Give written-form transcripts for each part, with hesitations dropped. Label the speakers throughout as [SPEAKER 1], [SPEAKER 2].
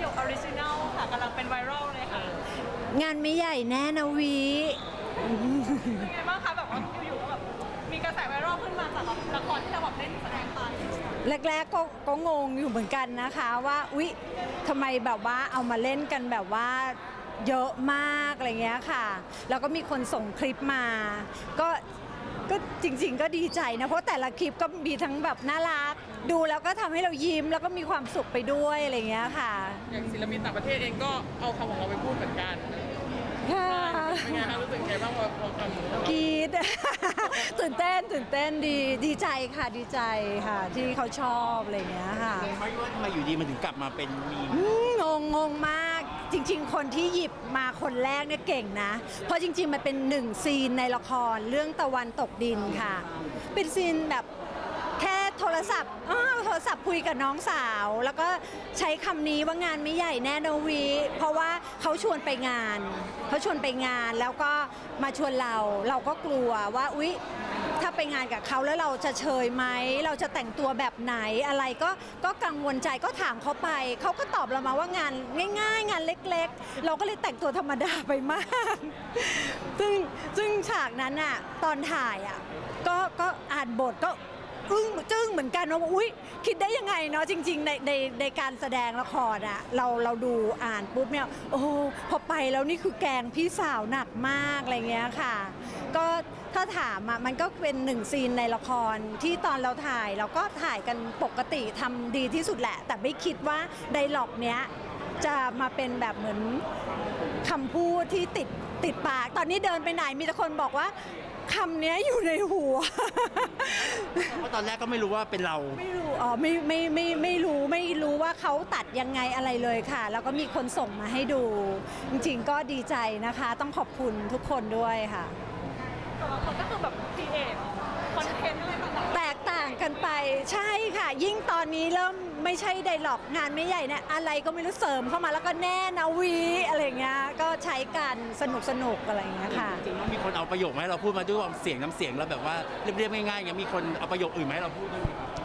[SPEAKER 1] กออริจินัลค่ะกำลังเป็นไวรัลเลยค่ะ
[SPEAKER 2] งานไม่ใหญ่แน่นะวี
[SPEAKER 1] เป็นไงบ้างคะแบบว่าอยู่ๆก็แบบมีกระแสไวรัลขึ้นมาจากละครที่เราแบบเล่นแสดงไป
[SPEAKER 2] แรกๆก็งงอยู่เหมือนกันนะคะว่าอุ๊ยทำไมแบบว่าเอามาเล่นกันแบบว่าเยอะมากอะไรเงี้ยค่ะแล้วก็มีคนส่งคลิปมาก็จริงๆก็ดีใจนะเพราะแต่ละคลิปก็มีทั้งแบบน่ารักดูแล้วก็ทำให้เรายิ้มแล้วก็มีความสุขไปด้วยอะไรเงี้ยค่ะ
[SPEAKER 3] อย่างศิลปินต่างประเทศเองก็เอาคำของเราไปพูดเหมือนกัน
[SPEAKER 2] ค่ะ
[SPEAKER 3] เป็นไงคะรู้สึกไงบ้างพอคำของเรา
[SPEAKER 2] กรี๊ด ตื่นเต้นดีใจค่ะดีใจค่ะที่เขาชอบอะไรเงี้ยค่ะ
[SPEAKER 4] ไม่ว่าทำไมอยู่ดีมันถึงกลับมาเป็นมี
[SPEAKER 2] งงมากจริงๆคนที่หยิบมาคนแรกเนี่ยเก่งนะเพราะจริงๆมันเป็นหนึ่งซีนในละครเรื่องตะวันตกดินค่ะเป็นซีนแบบแค่โทรศัพท์คุยกับน้องสาวแล้วก็ใช้คำนี้ว่างานไม่ใหญ่แน่นวีเพราะว่าเขาชวนไปงานแล้วก็มาชวนเราก็กลัวว่าอุ๊ยถ้าไปงานกับเขาแล้วเราจะเชยไหมเราจะแต่งตัวแบบไหนอะไรก็กังวลใจก็ถามเขาไปเขาก็ตอบเรามาว่างานง่ายๆงานเล็กๆเราก็เลยแต่งตัวธรรมดาไปมากซึ่งฉากนั้นอ่ะตอนถ่ายอ่ะก็อ่านบทก็จึ้งเหมือนกันว่าอุ๊ยคิดได้ยังไงเนาะจริงๆในการแสดงละครอะเราดูอ่านปุ๊บเนี่ยโอ้พอไปแล้วนี่คือแกงพี่สาวหนักมากอะไรเงี้ยค่ะก็ถ้าถามอะมันก็เป็นหนึ่งซีนในละครที่ตอนเราถ่ายเราก็ถ่ายกันปกติทำดีที่สุดแหละแต่ไม่คิดว่าไดร็อกเนี้ยจะมาเป็นแบบเหมือนคำพูดที่ติดปากตอนนี้เดินไปไหนมีแต่คนบอกว่าคำนี้อยู่ในหัว
[SPEAKER 4] เพราะตอนแรกก็ไม่รู้ว่าเป็นเรา
[SPEAKER 2] ไม่รู้ไม่รู้ว่าเขาตัดยังไงอะไรเลยค่ะแล้วก็มีคนส่งมาให้ดูจริงๆก็ดีใจนะคะต้องขอบคุณทุกคนด้วยค่ะ
[SPEAKER 1] แต่ละคนก็คือแบบครีเอทคอนเทนต์อะไรต่างๆ
[SPEAKER 2] แตกต่างกันไปใช่ค่ะยิ่งตอนนี้เริ่มไม่ใช่ไดร็อกงานไม่ใหญ่เนี่ยอะไรก็ไม่รู้เสริมเข้ามาแล้วก็แน่นะวีอะไรเงี้ยก็ใช้กันสนุกอะไรเงี้ยค่ะ
[SPEAKER 4] จริงๆมีคนเอาประโยคมาให้เราพูดมาด้วยเสียงน้ำเสียงแล้วแบบว่าเรียบๆง่ายๆอย่างมีคนเอาประโยคอื่นมาให้เราพูดด้วย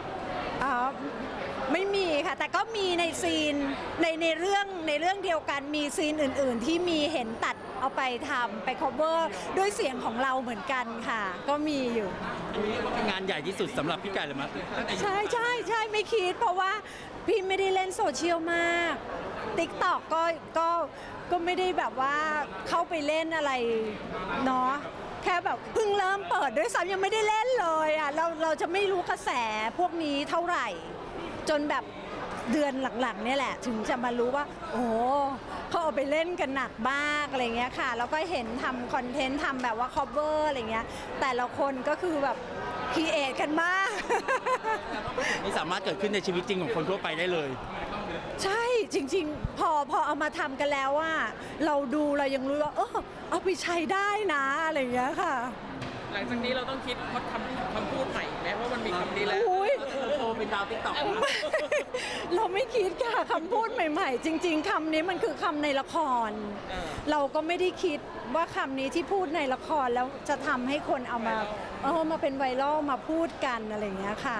[SPEAKER 2] ไม่มีค่ะแต่ก็มีในซีนในเรื่องเดียวกันมีซีนอื่นๆที่มีเห็นตัดเอาไปทำไป cover ด้วยเสียงของเราเหมือนกันค่ะก็มีอยู่
[SPEAKER 4] อันนี้ว่าเป็นงานใหญ่ที่สุดสำหรับพี่ไก่เลยมั้ย
[SPEAKER 2] ใช่ไม่คิดเพราะว่าพี่ไม่ได้เล่นโซเชียลมาก TikTok ก็ไม่ได้แบบว่าเข้าไปเล่นอะไรเนาะแค่แบบเพิ่งเริ่มเปิดด้วยซ้ำยังไม่ได้เล่นเลยอ่ะเราจะไม่รู้กระแสพวกนี้เท่าไหร่จนแบบเดือนหลังๆเนี่ยแหละถึงจะมารู้ว่าโอ้เขาเอาไปเล่นกันหนักมากอะไรเงี้ยค่ะแล้วก็เห็นทำคอนเทนต์ทำแบบว่า cover อะไรเงี้ยแต่ละคนก็คือแบบครีเอทกันมาก
[SPEAKER 4] ไม่สามารถเกิดขึ้นในชีวิตจริงของคนทั่วไปได้เลย
[SPEAKER 2] ใช่จริงๆพอเอามาทำกันแล้วว่าเราดูเรายังรู้ว่าเอาไปใช้ได้นะอะไรเงี้ยค่ะ
[SPEAKER 3] หลังจากนี้เราต้องคิดคำพูดใหม่ไหมว่ามันมีคำนี้แล้ว
[SPEAKER 4] โตเป็นดาวติ๊กต็อก
[SPEAKER 2] เราไม่คิดค่ะคำพูดใหม่ๆจริงๆคำนี้มันคือคำในละครเราก็ไม่ได้คิดว่าคำนี้ที่พูดในละครแล้วจะทำให้คนเอามาเป็นไวรัลมาพูดกันอะไรอย่างเงี้ยค่ะ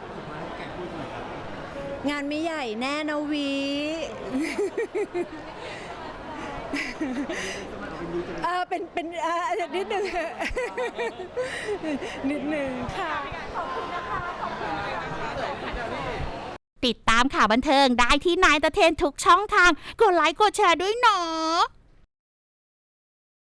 [SPEAKER 2] งานไม่ใหญ่แน่นะวีเป็นนิดนึงค่ะ
[SPEAKER 1] ขอบคุณนะคะขอบคุณ
[SPEAKER 5] ติดตามข่าวบันเทิงได้ที่นายตะเทนทุกช่องทางกดไลค์กดแชร์ด้วยเนาะ